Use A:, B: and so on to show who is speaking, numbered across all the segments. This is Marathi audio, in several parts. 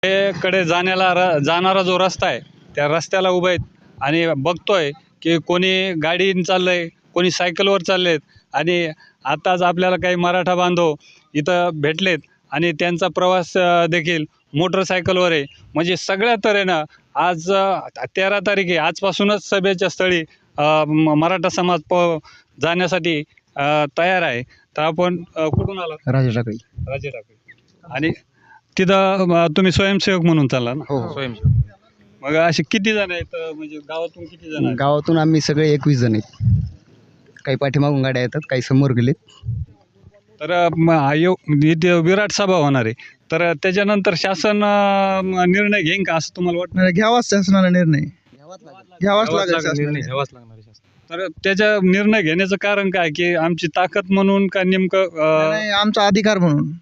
A: कडे जाणारा जो रस्ता आहे त्या रस्त्याला उभे आहेत आणि बघतोय की कोणी गाडीने चाललंय, कोणी सायकलवर चाललेत आणि आताच आपल्याला काही मराठा बांधव इथं भेटलेत आणि त्यांचा प्रवास देखील मोटरसायकलवर आहे. म्हणजे सगळ्या तऱ्हेनं आज 13 तारीख आहे, आजपासूनच सभेच्या स्थळी मराठा समाज जाण्यासाठी तयार आहे. तर आपण कुठून आला?
B: राजे टाकळी.
A: राजे टाकळी. आणि तिथं तुम्ही स्वयंसेवक म्हणून चालला ना?
B: हो.
A: स्वयंसेवक. मग असे किती जण आहेत, म्हणजे गावातून किती जण आहेत?
B: गावातून आम्ही सगळे 21 जण आहेत. काही पाठीमागून गाड्या येतात, काही समोर गेलेत.
A: तर इथे विराट सभा होणार आहे. तर त्याच्यानंतर शासन निर्णय घेईन का असं तुम्हाला वाटतं?
C: घ्यावाच शासनाला निर्णय घ्यावाच लागेल
A: निर्णय
C: शासनाला.
A: घ्यावाच लागणार आहे शासन. तर त्याच्या निर्णय घेण्याचं कारण काय, की आमची ताकद म्हणून का नेमकं
C: नाही, आमचा अधिकार म्हणून.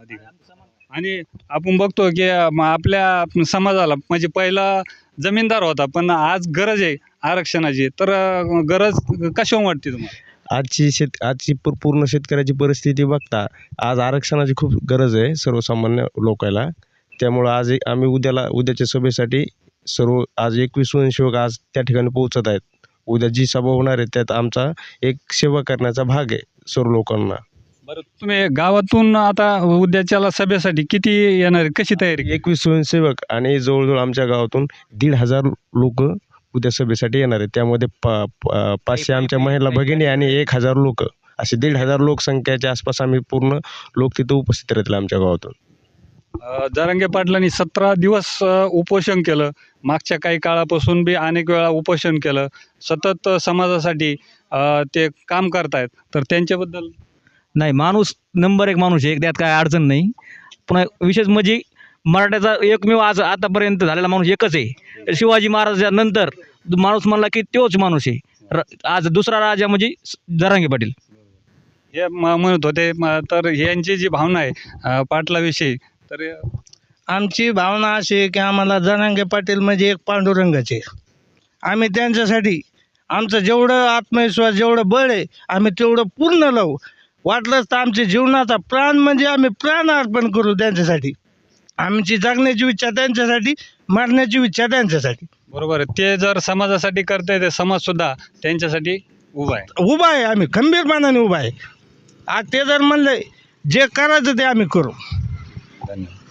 A: आणि आपण बघतो की आपल्या समाजाला म्हणजे पहिला जमीनदार होता, पण आज गरज आहे आरक्षणाची. तर गरज कशावर वाटते तुम्हाला?
D: आजची पूर्ण शेतकऱ्याची परिस्थिती बघता आज आरक्षणाची खूप गरज आहे सर्वसामान्य लोकांना. त्यामुळं आज आम्ही उद्याच्या सभेसाठी आज 21 स्वयंसेवक आज त्या ठिकाणी पोहोचत आहेत. उद्या जी सभा होणार आहे त्यात आमचा एक सेवा करण्याचा भाग आहे सर्व लोकांना.
A: बरं, तुम्ही गावातून आता उद्याच्याला सभेसाठी किती येणार आहे, कशी तयारी?
D: 21 स्वयंसेवक आणि जवळजवळ आमच्या गावातून 1,500 लोक उद्या सभेसाठी येणार आहेत. त्यामध्ये 500 आमच्या महिला भगिनी आणि 1,000 लोक, असे 1,500 लोकसंख्येच्या आसपास आम्ही पूर्ण लोक तिथं उपस्थित राहतील आमच्या गावातून.
A: जरांगे पाटलांनी 17 दिवस उपोषण केलं. मागच्या काही काळापासून बी अनेक वेळा उपोषण केलं. सतत समाजासाठी ते काम करतायत. तर त्यांच्याबद्दल
E: नाही, माणूस नंबर 1 माणूस आहे, त्यात काय अडचण नाही. पुन्हा विशेष म्हणजे मराठ्याचा एकमेव आतापर्यंत झालेला माणूस एकच आहे. शिवाजी महाराजांनंतर माणूस म्हणला की तोच माणूस आहे. आज दुसरा राजा म्हणजे जरांगे पाटील.
A: हे म्हणत होते. तर यांची जी भावना आहे पाटलाविषयी, तर
C: आमची भावना अशी आहे की आम्हाला जरांगे पाटील म्हणजे एक पांडुरंगाचे. आम्ही त्यांच्यासाठी आमचं जेवढं आत्मविश्वास, जेवढं बळ आहे, आम्ही तेवढं पूर्ण लावू. वाटलंच तर आमच्या जीवनाचा प्राण म्हणजे आम्ही प्राण अर्पण करू त्यांच्यासाठी. आमची जगण्याची इच्छा त्यांच्यासाठी, मरण्याची इच्छा त्यांच्यासाठी.
A: बरोबर आहे. ते जर समाजासाठी करताय, ते समाजसुद्धा त्यांच्यासाठी उभा आहे.
C: उभा आहे, आम्ही खंबीरपणाने उभा आहे. आज ते जर म्हणले जे करायचं ते आम्ही करू.
A: धन्यवाद.